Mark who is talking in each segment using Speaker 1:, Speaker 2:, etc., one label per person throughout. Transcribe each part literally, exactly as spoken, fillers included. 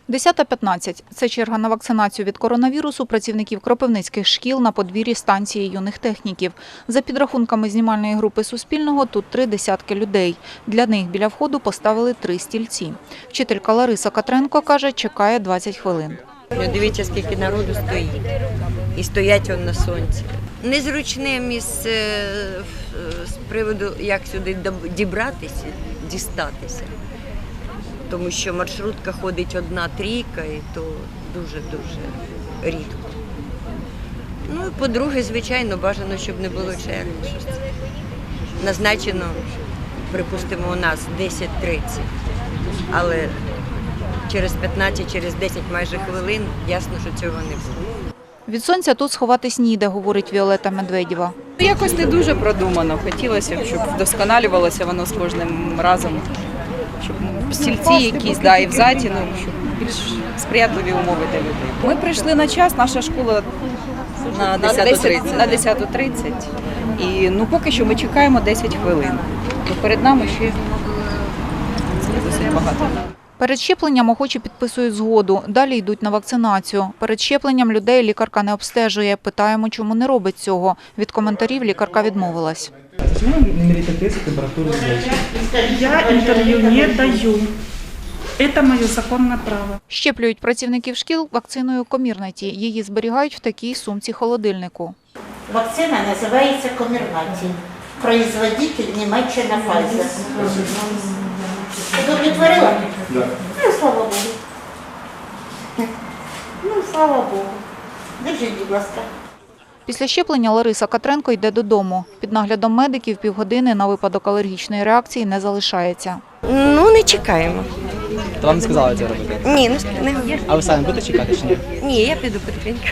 Speaker 1: десята п'ятнадцять – це черга на вакцинацію від коронавірусу працівників кропивницьких шкіл на подвір'ї станції юних техніків. За підрахунками знімальної групи Суспільного, тут три десятки людей. Для них біля входу поставили три стільці. Вчителька Лариса Катренко каже, чекає двадцять хвилин.
Speaker 2: Дивіться, скільки народу стоїть. І стоять вони на сонці. Незручне місце з приводу, як сюди дібратися, дістатися. Тому що маршрутка ходить одна трійка, і то дуже-дуже рідко. Ну і по-друге, звичайно, бажано, щоб не було черги. Назначено, припустимо, у нас десять тридцять, але через п'ятнадцять, через десять майже хвилин ясно, що цього не буде.
Speaker 1: Від сонця тут сховатись ніде, говорить Віолетта Медведєва.
Speaker 3: Якось не дуже продумано. Хотілося б, щоб вдосконалювалося воно з кожним разом, щоб стільці якісь, да, і в заті, ну, щоб більш сприятливі умови для людей. Ми прийшли на час, наша школа на десяту тридцять. І ну, поки що ми чекаємо десять хвилин. То перед нами ще досить багато.
Speaker 1: Перед щепленням охочі підписують згоду, далі йдуть на вакцинацію. Перед щепленням людей лікарка не обстежує. Питаємо, чому не робить цього. Від коментарів лікарка відмовилась.
Speaker 4: Не мерите тест температуры зрачки.
Speaker 5: Я интервью не даю. Это мое законное право.
Speaker 1: Щеплюють працівників шкіл вакциною Комірнаті. Її зберігають в такій сумці-холодильнику.
Speaker 6: Вакцина називається Комірнаті. Производитель Німеччина Pfizer. Удовлетворила?
Speaker 4: Да.
Speaker 6: Ну, слава Богу. Ну, слава Богу. Держіть, будь ласка.
Speaker 1: Після щеплення Лариса Катренко йде додому. Під наглядом медиків півгодини на випадок алергічної реакції не залишається.
Speaker 2: Ну, не чекаємо.
Speaker 4: То вам не сказали це робити?
Speaker 2: Ні, не, не говорю.
Speaker 4: А ви самі будете чекати чи ні?
Speaker 2: Ні, я піду потихеньку.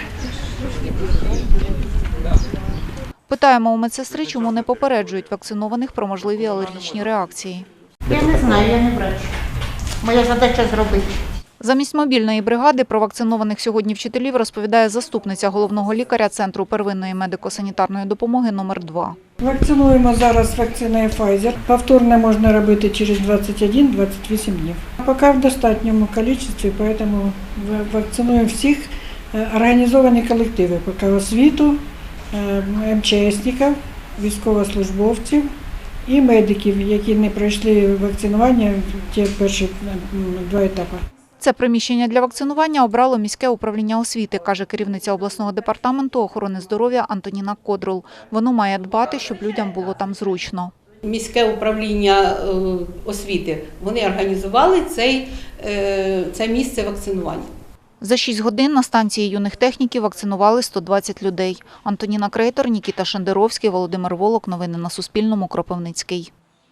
Speaker 1: Питаємо у медсестри, чому не попереджують вакцинованих про можливі алергічні реакції.
Speaker 6: Я не знаю, я не врач. Моя задача зробити.
Speaker 1: Замість мобільної бригади про вакцинованих сьогодні вчителів розповідає заступниця головного лікаря Центру первинної медико-санітарної допомоги номер два.
Speaker 7: Вакцинуємо зараз вакциною Pfizer. Повторне можна робити через двадцять один - двадцять вісім днів. Поки в достатньому кількості, тому вакцинуємо всіх організовані колективи, поки освіту, ем че есників, військовослужбовців і медиків, які не пройшли вакцинування в ті перші два етапи.
Speaker 1: Це приміщення для вакцинування обрало міське управління освіти, каже керівниця обласного департаменту охорони здоров'я Антоніна Кодрул. Воно має дбати, щоб людям було там зручно.
Speaker 8: Міське управління освіти, вони організували цей, це місце вакцинування.
Speaker 1: За шість годин на станції юних техніків вакцинували сто двадцять людей. Антоніна Крейтор, Нікіта Шендеровський, Володимир Волок. Новини на Суспільному. Кропивницький.